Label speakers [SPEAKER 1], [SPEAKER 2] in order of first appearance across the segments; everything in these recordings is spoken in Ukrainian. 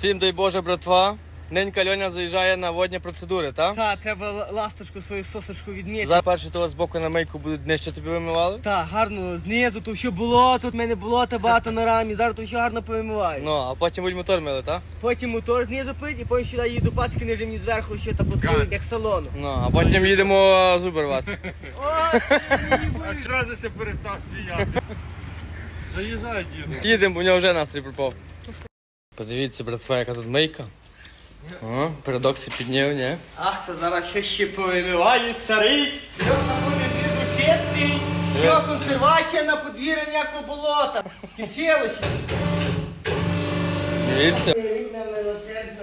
[SPEAKER 1] Всім дай Боже, братва. Ненька Льоня заїжджає на водні процедури, так?
[SPEAKER 2] Так, треба ласточку, свою сосочку відміти.
[SPEAKER 1] Зараз перші того з боку на мийку будуть нижче тобі вимивали.
[SPEAKER 2] Так, гарно, знизу, то що було, тут в мене болота багато на рамі, зараз то що гарно повимиваю.
[SPEAKER 1] Ну, а потім будуть мотор мили, так?
[SPEAKER 2] Потім мотор знизу пить, і потім сюди їду пацки, ниже мені зверху ще та поцілують, як салону.
[SPEAKER 1] Ну, а потім їдемо зуби рвати.
[SPEAKER 2] Ой,
[SPEAKER 3] А чого ти перестав сміяти? Заїжджай, діду.
[SPEAKER 1] Їдемо, бо в нього вже настрій пропав. Подивіться, братва, яка тут мийка. О, передокси підняв, ні?
[SPEAKER 2] Ах, це зараз що ще повимиваю, старий. Серйозно буде знизу чистий. Що, консервація на подвір'я ніякого болота. Скінчилося.
[SPEAKER 1] Дивіться.
[SPEAKER 2] Рідна милосердна.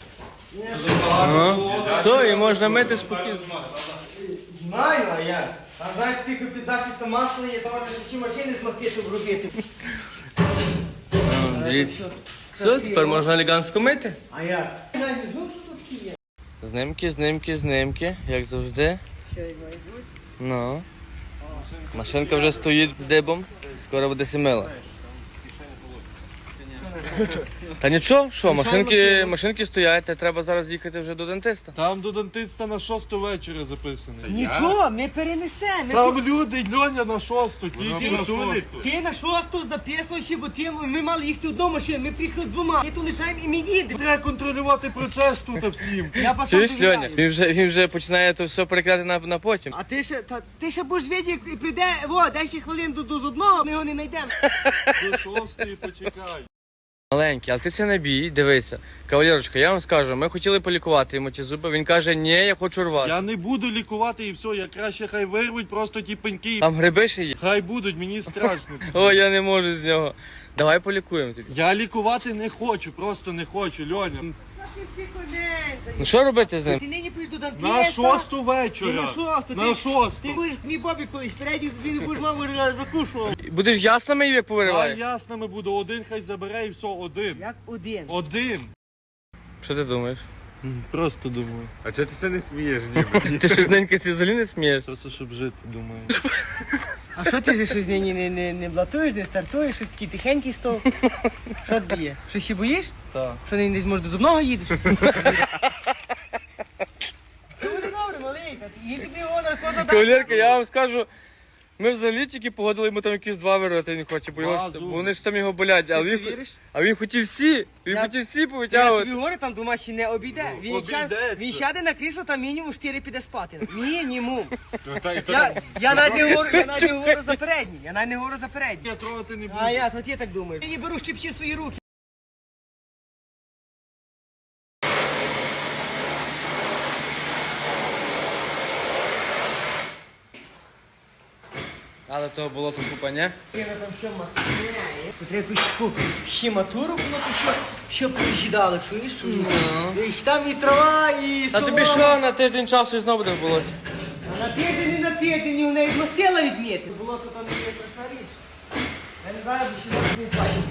[SPEAKER 1] Все, і можна мити спокійно.
[SPEAKER 2] Знаю, а я. А знаєш, скільки під захистом масла є, то можна ще машини змастити вробити.
[SPEAKER 1] Дивіться. Все, тепер можна елегантно мити.
[SPEAKER 2] А я? Я не знав, що тут є.
[SPEAKER 1] Знимки, як завжди.
[SPEAKER 2] Що й має бути?
[SPEAKER 1] Ну. Машинка вже стоїть дибом, скоро буде сімила. Та нічого, що, машинки стоять, та треба зараз їхати вже до дентиста.
[SPEAKER 3] Там до дантиста на 6 вечора записаний.
[SPEAKER 2] Нічого, ми перенесемо.
[SPEAKER 3] Там люди, Льоня на 6, тільки на 6.
[SPEAKER 2] Ти на шосту записував, бо ми мали їхати одну машину, ми приїхали двома. Ми тут лишаємо і ми їдемо.
[SPEAKER 3] Треба контролювати процес тут всім.
[SPEAKER 2] Я пішов
[SPEAKER 1] Чуєш,
[SPEAKER 2] довіряю.
[SPEAKER 1] Льоня? Він вже починає то все перекладати на потім.
[SPEAKER 2] А ти ще будеш видіти, як прийде, 10 хвилин до зубного, ми його не знайдемо.
[SPEAKER 3] До 6 почекай.
[SPEAKER 1] Маленький, але ти це не бій, дивися. Кавалерочка, я вам скажу, ми хотіли полікувати йому ті зуби, він каже, ні, я хочу рвати.
[SPEAKER 3] Я не буду лікувати і все, я краще хай вирвуть просто ті пеньки.
[SPEAKER 1] Там гриби ще є.
[SPEAKER 3] Хай будуть, мені страшно.
[SPEAKER 1] О, я не можу з нього. Давай полікуємо тобі.
[SPEAKER 3] Я лікувати не хочу, просто не хочу, Льоня.
[SPEAKER 1] Ну що робити з ним?
[SPEAKER 2] Ти нині прийдеш до дантиста.
[SPEAKER 3] На 6
[SPEAKER 2] Ти
[SPEAKER 3] вечора.
[SPEAKER 2] на шосту.
[SPEAKER 3] На 6.
[SPEAKER 2] Ти будеш мій Бобі колись, передній собі не будеш маму закушував.
[SPEAKER 1] Будеш ясними як
[SPEAKER 3] А
[SPEAKER 1] повириваєш?
[SPEAKER 3] ясними буду, один хай забере і все, один.
[SPEAKER 2] Як один.
[SPEAKER 3] Один.
[SPEAKER 1] Що ти думаєш?
[SPEAKER 3] Просто думаю.
[SPEAKER 4] А чого ти це не смієш, ніби?
[SPEAKER 1] Ти щось ненька взагалі не смієш?
[SPEAKER 3] Просто щоб жити, думаю.
[SPEAKER 2] А що ти ж щось нині не блатуєш, не стартуєш, щось такий тихенький стов? Що тобі є? Що ще боїш?
[SPEAKER 3] Так.
[SPEAKER 2] Що нині десь може до зубного їдеш? Все буде добре, маленька. Їдь тобі його наркоза.
[SPEAKER 1] Кавалерка, я вам скажу, ми взагалі тільки погодили йому там якісь 2 вирвати, він хоче, бо
[SPEAKER 3] Два зуби.
[SPEAKER 1] вони ж там його болять,
[SPEAKER 2] Ти віриш?
[SPEAKER 1] а він хотів всі,
[SPEAKER 2] Я
[SPEAKER 1] хотів всі
[SPEAKER 2] Я
[SPEAKER 1] повитягувати.
[SPEAKER 2] тобі говорю, там дома ще не обійде.
[SPEAKER 3] Обійдеться.
[SPEAKER 2] Він сяде на крісло, там мінімум 4 піде спати. Мінімум.
[SPEAKER 4] Та
[SPEAKER 2] Я навіть не говорю за передній. Я навіть не говорю за передній.
[SPEAKER 3] Я трогати не буду.
[SPEAKER 2] А я, от я так думаю. Я не беру щепчі в свої руки.
[SPEAKER 1] Але того було тут купа, ні?
[SPEAKER 2] Я там що масляє. Треба якусь таку щематуру було, то що приїдали, чуєш? І там і трава, і
[SPEAKER 1] А тобі що, на тиждень часу і знову буде в болоті?
[SPEAKER 2] А на тиждень, не на тиждень, у неї змастила відміти. Було то там не є страшна річ. Я не знаю, бо ще не бачу.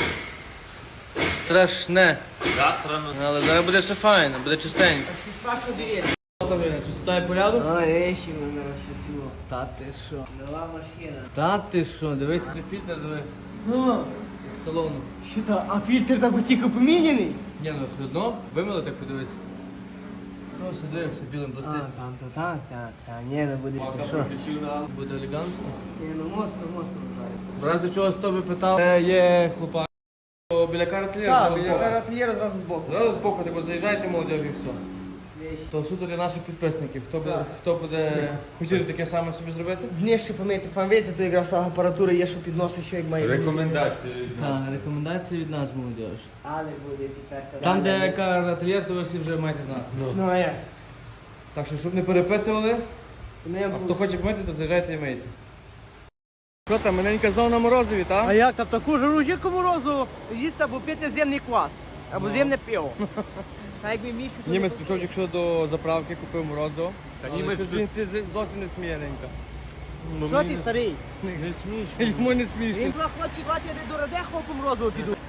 [SPEAKER 1] Страшне. Але зараз буде все файно, буде чистенько.
[SPEAKER 2] Так всі страшно дивитися.
[SPEAKER 1] Чистота і порядок?
[SPEAKER 2] А, речі, мене ще ціло. Та ти що? Нова машина.
[SPEAKER 1] Та ти що, дивись на фільтр, диви.
[SPEAKER 2] Ну,
[SPEAKER 1] Як салону.
[SPEAKER 2] що то, а фільтр так тільки поміняний?
[SPEAKER 1] Ні, ну все одно, вимили так подивись. То сюди, все білим
[SPEAKER 2] А,
[SPEAKER 1] блиститься.
[SPEAKER 2] там то так, ні, не буде. Що?
[SPEAKER 1] Буде елегантно.
[SPEAKER 2] Ні, ну монстр зараз.
[SPEAKER 1] В разі чого з тобі питав, де є хлопак. Біля каратлєра,
[SPEAKER 2] Так,
[SPEAKER 1] зразу
[SPEAKER 2] біля
[SPEAKER 1] збоку.
[SPEAKER 2] карательєра зразу збоку.
[SPEAKER 1] Зразу збоку, типу, заїжджайте, молодіж, і все.
[SPEAKER 2] Вещь.
[SPEAKER 1] То суто для наших підписників.
[SPEAKER 2] Так.
[SPEAKER 1] Хто буде хотіти таке саме собі зробити?
[SPEAKER 2] Внешне помити фанвейти, то якраз апаратура є, що підносить, що як має бути.
[SPEAKER 4] Рекомендації.
[SPEAKER 1] Так, рекомендації від нас, молодіж.
[SPEAKER 2] Але буде тепер.
[SPEAKER 1] Там, де каратлєр, то ви всі вже маєте знати.
[SPEAKER 2] Ну, а як?
[SPEAKER 1] Так що, щоб не перепитували,
[SPEAKER 2] Ну, я
[SPEAKER 1] а
[SPEAKER 2] буду-
[SPEAKER 1] хто хоче помити, то заїжджайте і мийте. Що там, маленька знову на морозиві, так?
[SPEAKER 2] А як там таку жару яку морозу їсти або пити земний квас, або земне пиво. А якби міг...
[SPEAKER 1] Німець пішов, якщо до заправки, купив морозиво.
[SPEAKER 4] Та
[SPEAKER 1] Але
[SPEAKER 4] німець
[SPEAKER 1] щось
[SPEAKER 4] тут-
[SPEAKER 1] він зовсім не сміє, ненька.
[SPEAKER 2] Що ти старий?
[SPEAKER 3] Не смішно.
[SPEAKER 1] Йому не
[SPEAKER 2] Він
[SPEAKER 1] смішно.
[SPEAKER 2] два хлопці, два я до Радехова по морозу піду.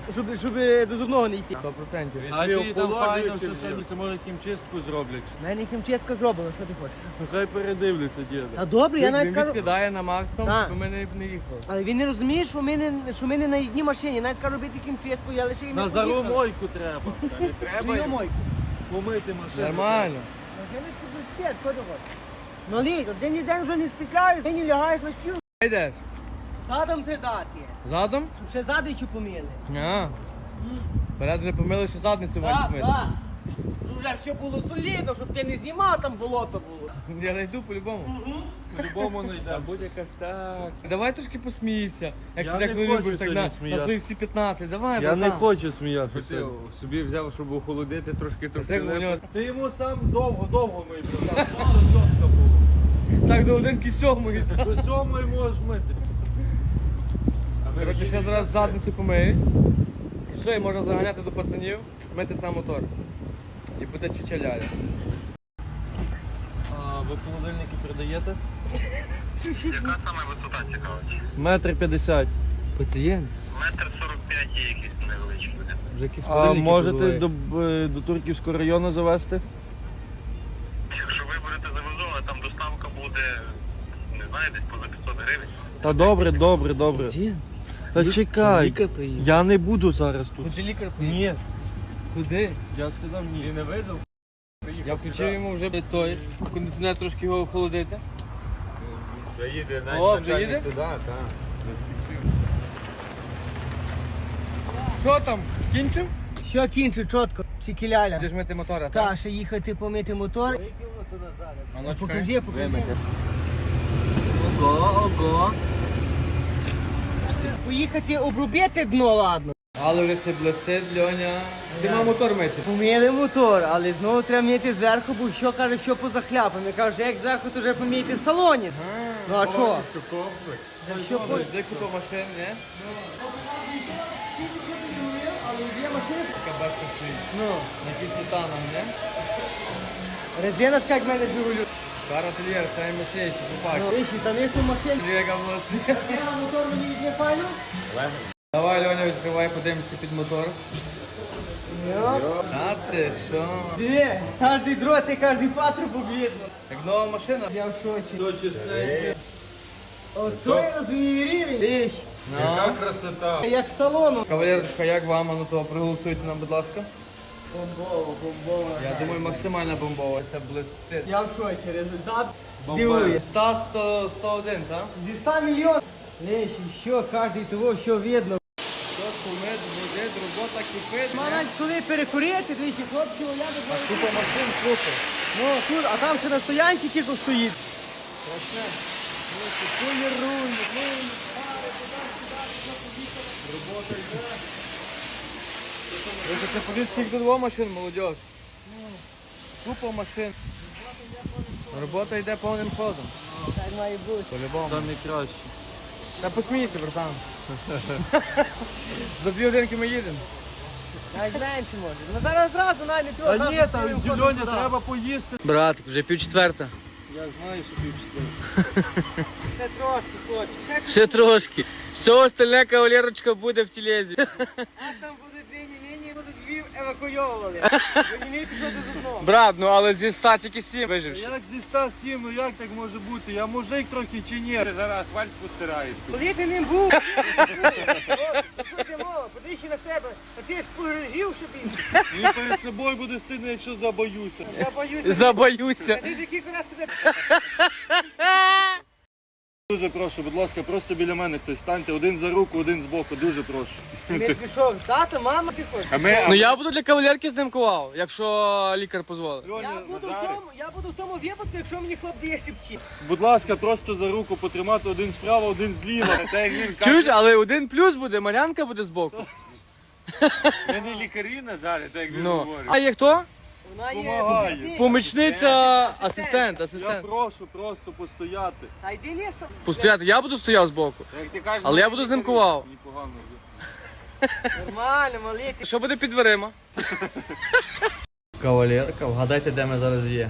[SPEAKER 2] щоб до зубного не йти.
[SPEAKER 1] 100%.
[SPEAKER 3] А ті там файно все самі, це може хімчистку зроблять.
[SPEAKER 2] У мене хімчистка зроблена, що ти хочеш?
[SPEAKER 3] Ну, хай передивляться, діда.
[SPEAKER 2] А добре, я навіть
[SPEAKER 1] Він
[SPEAKER 2] кажу.
[SPEAKER 1] відкидає на максимум,
[SPEAKER 2] Так.
[SPEAKER 1] щоб ми не їхали.
[SPEAKER 2] Але він не розуміє, що ми не на одній машині. Я навіть скажу робити хімчистку, я лише їм
[SPEAKER 3] На зару мойку треба. Не
[SPEAKER 2] Твою
[SPEAKER 3] треба
[SPEAKER 2] мойку.
[SPEAKER 3] помити машину.
[SPEAKER 1] Нормально.
[SPEAKER 2] Машиночку без спєр, що ти хочеш? Ну літ, один день вже не спікаєш, ти не лягаєш на стіл.
[SPEAKER 1] Йдеш?
[SPEAKER 2] Задом ти дати,
[SPEAKER 1] Задом?
[SPEAKER 2] щоб ще задичу поміли.
[SPEAKER 1] А. Перед вже помили, що задницю мають
[SPEAKER 2] Так,
[SPEAKER 1] помити.
[SPEAKER 2] так. Щоб вже все було солідно, щоб ти не знімав, там болото було.
[SPEAKER 1] Я найду по-любому.
[SPEAKER 3] По-любому не йде.
[SPEAKER 1] Будь якась так. Давай трошки посмійся. Як
[SPEAKER 3] Я
[SPEAKER 1] ти
[SPEAKER 3] не
[SPEAKER 1] так не
[SPEAKER 3] хочу
[SPEAKER 1] любиш, так
[SPEAKER 3] сьогодні
[SPEAKER 1] на
[SPEAKER 3] сміятися.
[SPEAKER 1] свої всі 15. Давай,
[SPEAKER 3] Я не
[SPEAKER 1] братан.
[SPEAKER 3] хочу сміятися.
[SPEAKER 4] Ти собі взяв, щоб охолодити трошки
[SPEAKER 1] Так, у нього-
[SPEAKER 3] Ти йому сам довго мий, братан. Мало жорстко було.
[SPEAKER 1] Так до 1,7.
[SPEAKER 3] До 7 можеш мити.
[SPEAKER 1] Коротше, ще раз задницю помиють. І все, і можна заганяти до пацанів, мити сам мотор. І буде чичаляля.
[SPEAKER 3] А ви холодильники продаєте?
[SPEAKER 5] Яка саме висота цікавить?
[SPEAKER 3] 1,50 м.
[SPEAKER 1] Пацієнт?
[SPEAKER 5] 1,45 м є якісь невеличкі.
[SPEAKER 1] Вже якісь
[SPEAKER 3] А
[SPEAKER 1] холодильники
[SPEAKER 3] можете
[SPEAKER 1] були.
[SPEAKER 3] до Турківського району завести?
[SPEAKER 5] Якщо ви будете завезовувати, там доставка буде, не знаю, десь поза 500 гривень.
[SPEAKER 3] Та добре.
[SPEAKER 1] Пацієнт?
[SPEAKER 3] Та чекай.
[SPEAKER 1] Лікар приїхав.
[SPEAKER 3] Я не буду зараз тут.
[SPEAKER 1] Куди лікар приїхав?
[SPEAKER 3] Ні.
[SPEAKER 1] Куди?
[SPEAKER 3] Я сказав ні.
[SPEAKER 4] не видав?
[SPEAKER 1] Я включив йому вже той кондиціонер трошки його охолодити.
[SPEAKER 4] Вже їде,
[SPEAKER 1] О, вже їде?
[SPEAKER 4] туди, так.
[SPEAKER 1] Що там? Кінчив?
[SPEAKER 2] Що кінчу, чітко, чікіляля.
[SPEAKER 1] Будеш мити мотора, так?
[SPEAKER 2] Та, ще їхати помити мотор.
[SPEAKER 1] А ну, чекай.
[SPEAKER 2] Покажи.
[SPEAKER 1] Вимити.
[SPEAKER 2] Ого. Поїхати обробити дно, ладно.
[SPEAKER 1] Але вже це блистить, Льоня. Ти мав мотор мити.
[SPEAKER 2] Помили мотор, але знову треба мити зверху, бо що каже, що поза хляпом. Я кажу, як зверху, то вже помійте в салоні. Ну а що? Що по...
[SPEAKER 1] Де купа машин, не? Така башка стоїть.
[SPEAKER 2] Ну,
[SPEAKER 1] На титаном, не?
[SPEAKER 2] резина така, як в мене Жигулю.
[SPEAKER 1] Карательєр, самі мощніші, попаки.
[SPEAKER 2] Ну, виші, та них у машин.
[SPEAKER 1] Яка власне.
[SPEAKER 2] Я мотор мені візьме файно.
[SPEAKER 1] Давай, Льоня, відкривай, подивимося під мотор.
[SPEAKER 2] Йоп.
[SPEAKER 1] А ти що?
[SPEAKER 2] Диви, кожний дрот і кожний патрубок видно.
[SPEAKER 1] Як нова машина?
[SPEAKER 2] Я в шоці.
[SPEAKER 3] То чистеньке.
[SPEAKER 2] Ото я розумію рівень. Виш,
[SPEAKER 1] Ну.
[SPEAKER 4] Красота.
[SPEAKER 2] як з салону.
[SPEAKER 1] Кавалерочка, як вам? А ну то проголосуйте нам, будь ласка.
[SPEAKER 2] Бомбово.
[SPEAKER 1] Я думаю, максимально бомбово. Це блистить.
[SPEAKER 2] Я в шоці, результат дивує.
[SPEAKER 1] Став 101, так?
[SPEAKER 2] Зі 100 мільйонів. Лиш, що, кожний того, що видно.
[SPEAKER 1] Що кумит, буде, робота кипить.
[SPEAKER 2] Навіть коли перекурити, двічі хлопці огляди.
[SPEAKER 1] Купа машин, супер.
[SPEAKER 2] Ну, тут, а там ще на стоянці тільки стоїть. Страшне. Поліруй,
[SPEAKER 1] Ви це подивіться, скільки двох машин, молодь. Купа машин. Робота йде повним ходом.
[SPEAKER 2] так має бути.
[SPEAKER 1] По-любому.
[SPEAKER 3] Самі кращі.
[SPEAKER 1] Та посмійся, братан. За 2 годинки ми їдемо.
[SPEAKER 2] Навіть менше може. Ну зараз зразу навіть не треба.
[SPEAKER 3] Та ні, там Льоня, треба поїсти.
[SPEAKER 1] Брат, вже 3:45.
[SPEAKER 3] Я знаю, що півчотири.
[SPEAKER 2] Ще трошки, хлопці.
[SPEAKER 1] Ще трошки. Все остальне кавалерочка буде в тілезі.
[SPEAKER 2] А там будуть нині будуть Львів евакуйовували. Розумієте, що до зубного.
[SPEAKER 1] Брат, ну але зі 100 тільки 7 виживши.
[SPEAKER 3] Як зі 107, ну як так може бути? Я мужик трохи чи ні?
[SPEAKER 4] Ти зараз асфальт постираєш.
[SPEAKER 2] Коли ти ним був, що ти мова, подивися на себе, а ти ж погрежів, що більше.
[SPEAKER 3] Мені перед собою буде стидно, якщо забоюся.
[SPEAKER 2] Я боюся.
[SPEAKER 1] Забоюся.
[SPEAKER 2] Ти ж який раз тебе.
[SPEAKER 3] Дуже прошу, будь ласка, просто біля мене хтось станьте. Один за руку, один збоку, дуже прошу.
[SPEAKER 2] Не пішов, тато, мама, ти хочеш.
[SPEAKER 4] А ми
[SPEAKER 1] Ну я буду для кавалерки знимкував, якщо лікар дозволить.
[SPEAKER 2] Я буду в тому випадку, якщо мені хлоп дає щепчі.
[SPEAKER 3] Будь ласка, просто за руку потримати, один справа, один зліва.
[SPEAKER 4] та як він
[SPEAKER 1] Чуєш,
[SPEAKER 4] каже,
[SPEAKER 1] але 1+ буде, Мар'янка буде збоку.
[SPEAKER 4] ми не лікарі Назаре, так як він
[SPEAKER 1] Ну.
[SPEAKER 4] говорить.
[SPEAKER 1] А є хто?
[SPEAKER 2] Вона є
[SPEAKER 3] Помагає.
[SPEAKER 2] помічниця.
[SPEAKER 1] Помічниця, асистент,
[SPEAKER 3] Я
[SPEAKER 1] асистент.
[SPEAKER 3] прошу просто постояти.
[SPEAKER 2] Та йди лісом.
[SPEAKER 1] Постояти, я буду стояв збоку.
[SPEAKER 4] Як ти кажеш,
[SPEAKER 1] Але я буду знимкував.
[SPEAKER 3] Мені погано.
[SPEAKER 2] Нормально, малий.
[SPEAKER 1] Що буде під дверима? Кавалерка, вгадайте, де ми зараз є.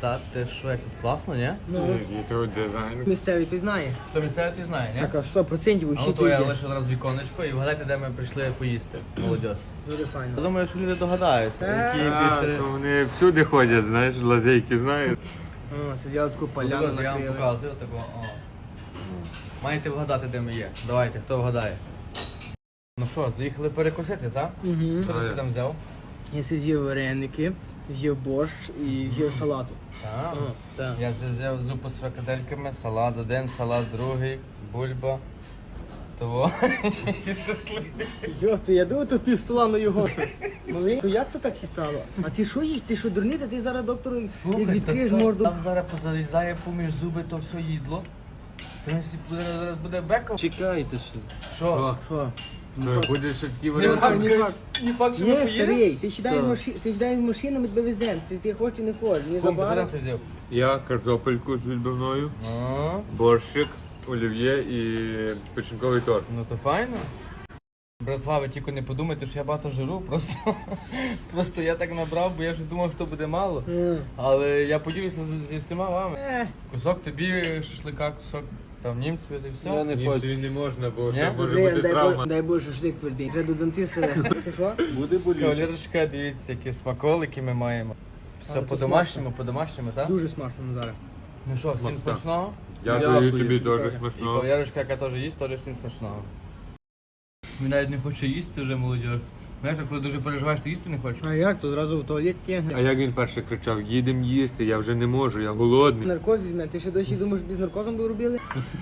[SPEAKER 1] Та ти що, як тут класно, ні?
[SPEAKER 4] Який тут дизайн.
[SPEAKER 2] Місцевий ти знає.
[SPEAKER 1] Хто місцевий, ти знає, ні?
[SPEAKER 2] Так, а 100%
[SPEAKER 1] А
[SPEAKER 2] усі
[SPEAKER 1] от
[SPEAKER 2] тут
[SPEAKER 1] я
[SPEAKER 2] є.
[SPEAKER 1] лише одразу віконечко і вгадайте, де ми прийшли поїсти, молодь.
[SPEAKER 2] Дуже
[SPEAKER 1] Я
[SPEAKER 2] файно.
[SPEAKER 1] думаю, що люди догадаються, які
[SPEAKER 4] А,
[SPEAKER 1] більше...
[SPEAKER 4] то вони всюди ходять, знаєш, лазейки знають.
[SPEAKER 2] О, це я таку поляну
[SPEAKER 1] Я вам
[SPEAKER 2] накрили.
[SPEAKER 1] показую, такого, о. Маєте вгадати, де ми є. Давайте, хто вгадає. Ну що, заїхали перекусити, так?
[SPEAKER 2] Угу.
[SPEAKER 1] Що ти собі там взяв?
[SPEAKER 2] Я з'їв вареники, з'їв борщ і з'їв салату.
[SPEAKER 1] Так.
[SPEAKER 2] Так.
[SPEAKER 1] Я взяв зупу з фрикадельками, салат один, салат другий, бульба. Того. І шашлик.
[SPEAKER 2] Йо, то я думаю, то пів стола на його. Малий, то як то так всі стало? А ти що їсть? Ти що дурний? Та ти зараз доктору як відкриєш морду.
[SPEAKER 1] Там зараз позалізає поміж зуби то все їдло. Зараз буде беком.
[SPEAKER 3] Чекайте ще.
[SPEAKER 1] Що?
[SPEAKER 2] Що?
[SPEAKER 4] Буде ще такі
[SPEAKER 1] Ні
[SPEAKER 4] варіанти.
[SPEAKER 1] факт,
[SPEAKER 2] ні факт.
[SPEAKER 1] ні факт, що ми
[SPEAKER 2] Ні,
[SPEAKER 1] поїдемо?
[SPEAKER 2] старий, ти сідаєш в машину, ми тебе веземо. Ти хочеш чи не хочеш? Ні,
[SPEAKER 1] Кум, ти
[SPEAKER 2] забагато.
[SPEAKER 1] куди це взяв?
[SPEAKER 4] Я картопельку з відбивною,
[SPEAKER 1] А,
[SPEAKER 4] борщик, олів'є і печінковий торт.
[SPEAKER 1] ну то файно. Братва, ви тільки не подумайте, що я багато жиру, просто я так набрав, бо я щось думав, що буде мало. Але я поділюся зі всіма вами. Кусок тобі шашлика, кусок там німцю і все.
[SPEAKER 3] Я не
[SPEAKER 4] Ні,
[SPEAKER 3] хочу.
[SPEAKER 4] собі не можна, бо ще
[SPEAKER 1] Ні?
[SPEAKER 4] може
[SPEAKER 2] Блін,
[SPEAKER 4] бути травма.
[SPEAKER 2] дай Боже, шашлик твердий. Треба до дантиста вести. Що?
[SPEAKER 3] Буде боліти.
[SPEAKER 1] Кавалерочка, дивіться, які смаколики ми маємо. Все
[SPEAKER 2] Але то
[SPEAKER 1] по-домашньому, так?
[SPEAKER 2] Дуже смачно, Назаре.
[SPEAKER 1] Ну що, всім
[SPEAKER 4] Смачно.
[SPEAKER 1] смачного.
[SPEAKER 4] Дякую
[SPEAKER 3] Дякую,
[SPEAKER 4] тобі
[SPEAKER 3] тобі
[SPEAKER 4] теж
[SPEAKER 1] І
[SPEAKER 4] смачного.
[SPEAKER 1] кавалерочка, яка теж їсть, теж всім смачного. Він навіть не хоче їсти вже, молодь. Знаєш, коли дуже переживаєш, то їсти не хочеш.
[SPEAKER 2] А як? То зразу в туалет
[SPEAKER 4] А
[SPEAKER 2] тягне.
[SPEAKER 4] як він перше кричав, їдем їсти, я вже не можу, я голодний.
[SPEAKER 2] Наркоз візьме. Ти ще досі думаєш, без наркозом би робили?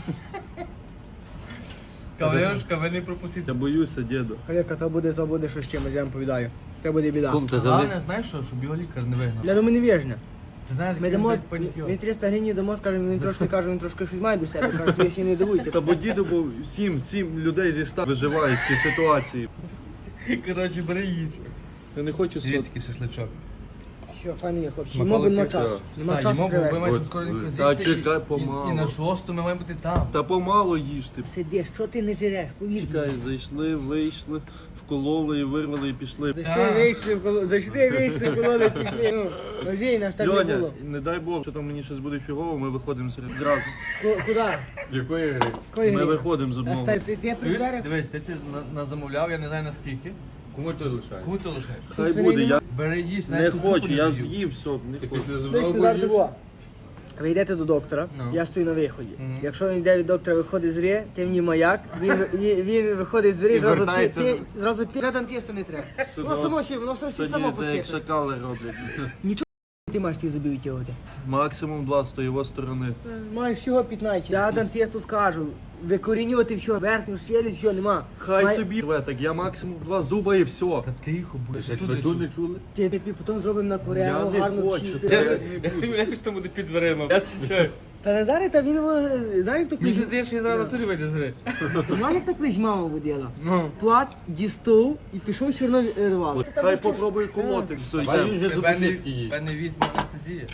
[SPEAKER 1] Кавалерочка, ви не пропустите.
[SPEAKER 3] Я боюся, діду.
[SPEAKER 2] Кавалерка, то буде що з чимось, я вам повідаю. Це буде біда.
[SPEAKER 1] Головне, знаєш що, щоб його лікар не вигнав.
[SPEAKER 2] Я думаю, не віжне.
[SPEAKER 1] Ти знаєш,
[SPEAKER 2] Ми
[SPEAKER 1] який
[SPEAKER 2] дамо,
[SPEAKER 1] він панікюр.
[SPEAKER 2] він 300 гривень дамо, скажемо, він трошки каже, він трошки щось має до себе. Каже, ви ще не дивуйте.
[SPEAKER 3] Та бо діду був 7 людей зі 100 виживають в тій ситуації.
[SPEAKER 1] Коротше, бери їдь.
[SPEAKER 3] Я не хочу сот.
[SPEAKER 1] Світський шашличок.
[SPEAKER 2] Що, файно є, хлопці.
[SPEAKER 1] Смаколики,
[SPEAKER 2] Йому нема часу. Нема часу
[SPEAKER 1] йому,
[SPEAKER 2] треба
[SPEAKER 1] ми
[SPEAKER 2] вести.
[SPEAKER 1] маємо скоро не
[SPEAKER 3] Та чекай, помалу.
[SPEAKER 1] І на 6 ми маємо бути там.
[SPEAKER 3] Та помало їжте.
[SPEAKER 2] Сидиш, що ти не жиреш, повір.
[SPEAKER 3] Чекай, зайшли, вийшли, вкололи і вирвали і пішли.
[SPEAKER 2] Зайшли, вийшли, кололи, пішли. Ну, ножей наш так не
[SPEAKER 3] Льоня,
[SPEAKER 2] було.
[SPEAKER 3] не дай Бог, що там мені щось буде фігово, ми виходимо зразу.
[SPEAKER 2] Куди?
[SPEAKER 4] Якої гри?
[SPEAKER 2] Кої
[SPEAKER 3] Ми
[SPEAKER 2] грі?
[SPEAKER 3] виходимо з
[SPEAKER 2] А
[SPEAKER 3] одного.
[SPEAKER 2] стань, ти приберег?
[SPEAKER 1] Дивись, ти це замовляв, я не знаю наскільки.
[SPEAKER 4] Кому ти лишаєш?
[SPEAKER 1] Кому ти лишаєш?
[SPEAKER 3] Хай буде, я
[SPEAKER 1] Бери їсть,
[SPEAKER 3] не
[SPEAKER 1] навіть ту
[SPEAKER 3] хочу,
[SPEAKER 1] зупу
[SPEAKER 3] я
[SPEAKER 1] не з'їв.
[SPEAKER 3] з'їв все, не
[SPEAKER 4] Ти
[SPEAKER 3] хочу.
[SPEAKER 4] після
[SPEAKER 2] Десь
[SPEAKER 4] зубного
[SPEAKER 2] сюди
[SPEAKER 4] боїш?
[SPEAKER 2] того. Ви йдете до доктора,
[SPEAKER 1] Ну.
[SPEAKER 2] я стою на виході.
[SPEAKER 1] Мгм.
[SPEAKER 2] Якщо він йде від доктора, виходить з гри, ти мені маяк, він виходить з двері,
[SPEAKER 4] І
[SPEAKER 2] зразу
[SPEAKER 4] вертається
[SPEAKER 2] зразу пі. Тіста не треба. Воно воно все само
[SPEAKER 3] Сьогодні як
[SPEAKER 2] посипе.
[SPEAKER 3] шакали роблять.
[SPEAKER 2] Ти маєш ті зубів витягувати.
[SPEAKER 3] Максимум 2 з тої сторони.
[SPEAKER 2] Маєш всього 15. Я дантисту скажу, викорінювати все, верхню челюсть, все, нема.
[SPEAKER 3] Хай собі рве, так я максимум 2 зуба і все.
[SPEAKER 1] Та тихо,
[SPEAKER 4] Ти
[SPEAKER 1] будь.
[SPEAKER 4] ще ходу не чули?
[SPEAKER 2] Ти потім зробимо на
[SPEAKER 3] Я
[SPEAKER 2] кореагу,
[SPEAKER 3] не
[SPEAKER 2] гарну
[SPEAKER 3] хочу,
[SPEAKER 2] чіпі.
[SPEAKER 3] та-
[SPEAKER 1] Я собі що буде під дверима. Я відчуваю.
[SPEAKER 2] Та Назаре, та він, знаєш, хто
[SPEAKER 1] Мені
[SPEAKER 2] клич?
[SPEAKER 1] здається, що він зараз на турі вийде з гри.
[SPEAKER 2] Знаєш, як так клич мама водила?
[SPEAKER 1] Ну.
[SPEAKER 2] Плат, дістов і пішов чорно рвало.
[SPEAKER 3] Хай попробуй колотик, все
[SPEAKER 4] А він
[SPEAKER 3] йде.
[SPEAKER 4] вже
[SPEAKER 1] Тебе
[SPEAKER 4] зубочистки їсть.
[SPEAKER 1] не візьме анестезія.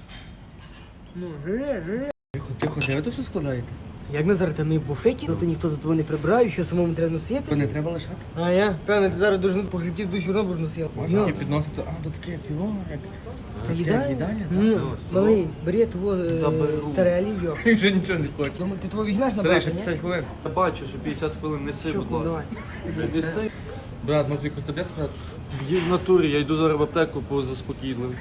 [SPEAKER 2] Ну, жире.
[SPEAKER 1] Тихо, де ви то все складаєте?
[SPEAKER 2] Як Назар, там і в буфеті, то ніхто за тобою не прибирає, що самому треба
[SPEAKER 1] То
[SPEAKER 2] носити.
[SPEAKER 1] не треба лишати.
[SPEAKER 2] А я? Певно, ти зараз дуже по хребті душу робиш будеш носити.
[SPEAKER 1] Можна такі підносити, а тут таке, як його, як...
[SPEAKER 2] Їдальня?
[SPEAKER 1] Їдальня, так.
[SPEAKER 2] Ну, малий, бери того
[SPEAKER 3] беру.
[SPEAKER 2] тарелі, йо.
[SPEAKER 1] Він вже нічого не хоче.
[SPEAKER 2] Думаю, ти того візьмеш на
[SPEAKER 1] Старий, ще
[SPEAKER 2] брата, ні?
[SPEAKER 1] 50 хвилин.
[SPEAKER 3] Я бачу, що 50 хвилин неси,
[SPEAKER 2] Що,
[SPEAKER 3] будь ласка.
[SPEAKER 2] давай.
[SPEAKER 3] Неси.
[SPEAKER 1] Брат, може якусь таблетку брати?
[SPEAKER 3] Їй в натурі, я йду зараз в аптеку по заспокійливим.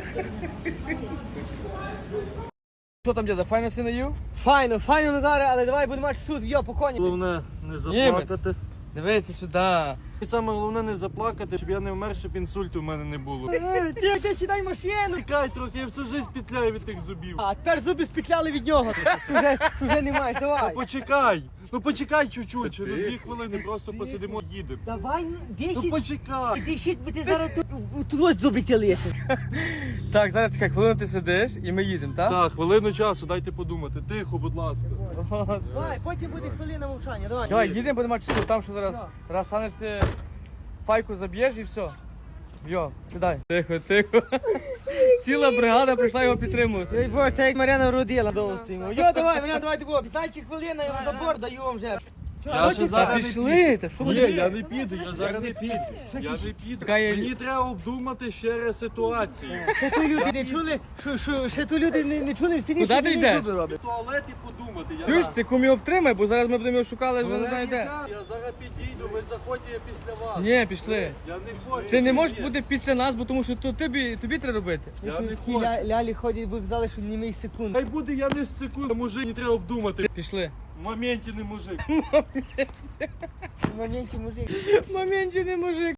[SPEAKER 1] Що там, дядя, файно си наїв?
[SPEAKER 2] Файно, файно, Назаре, але давай будемо мати суд, йо, по коні.
[SPEAKER 3] Головне не заплакати.
[SPEAKER 1] Дивися сюди.
[SPEAKER 3] І саме головне не заплакати, щоб я не вмер, щоб інсульту в мене не було.
[SPEAKER 2] Ти сідай в машину.
[SPEAKER 3] Чекай трохи, я всю життя петляю від тих зубів.
[SPEAKER 2] А тепер зуби спетляли від нього. Вже не маєш, давай.
[SPEAKER 3] Почекай чуть-чуть, ще на 2 хвилини просто посидимо і їдемо.
[SPEAKER 2] Давай,
[SPEAKER 3] Ну
[SPEAKER 2] десять.
[SPEAKER 3] почекай.
[SPEAKER 2] Ти щит, бо ти зараз тут ось зуби тілися.
[SPEAKER 1] Так, зараз чекай, хвилину ти сидиш і ми їдемо, так?
[SPEAKER 3] Так, хвилину часу, дайте подумати. Тихо, будь ласка.
[SPEAKER 2] Давай, потім буде хвилина мовчання, давай.
[SPEAKER 1] Давай, їдемо, будемо мати часу, там що зараз.
[SPEAKER 2] Да.
[SPEAKER 1] Раз станешся, файку заб'єш і все. Йо, сідай. Тихо, тихо. Ціла бригада прийшла його підтримувати.
[SPEAKER 2] Ой, Боже, так як Мар'яна родила вдома стоїмо. Йо, давай, мене давай тако, 15 хвилин, я вам забор даю вам вже.
[SPEAKER 3] Я ще
[SPEAKER 1] Та
[SPEAKER 3] зараз не
[SPEAKER 1] пішли, та що
[SPEAKER 3] Ні,
[SPEAKER 1] ви?
[SPEAKER 3] я не піду, я зараз не піду. Я не піду.
[SPEAKER 1] Чекай,
[SPEAKER 3] Мені треба обдумати ще раз ситуацію.
[SPEAKER 2] Ще тут люди не чули, що ще тут люди не чули, всі
[SPEAKER 1] Куди ти йдеш?
[SPEAKER 3] В туалет і подумати.
[SPEAKER 1] Чуєш, ти кум його втримай, бо зараз ми будемо його шукали, вже не знаю де.
[SPEAKER 3] Я зараз підійду, ви заходьте, я після вас.
[SPEAKER 1] Ні, пішли.
[SPEAKER 3] Я не хочу.
[SPEAKER 1] Ти не можеш
[SPEAKER 3] Ні.
[SPEAKER 1] бути після нас, бо тому що то тобі треба робити.
[SPEAKER 3] Я не
[SPEAKER 2] Ті
[SPEAKER 3] хочу.
[SPEAKER 2] лялі ходять в вокзали, що не мій секунд.
[SPEAKER 3] Хай буде я не з секунд, мужик, не треба обдумати.
[SPEAKER 1] Пішли.
[SPEAKER 3] В моменті не мужик.
[SPEAKER 2] В моменті мужик.
[SPEAKER 1] В моменті не мужик.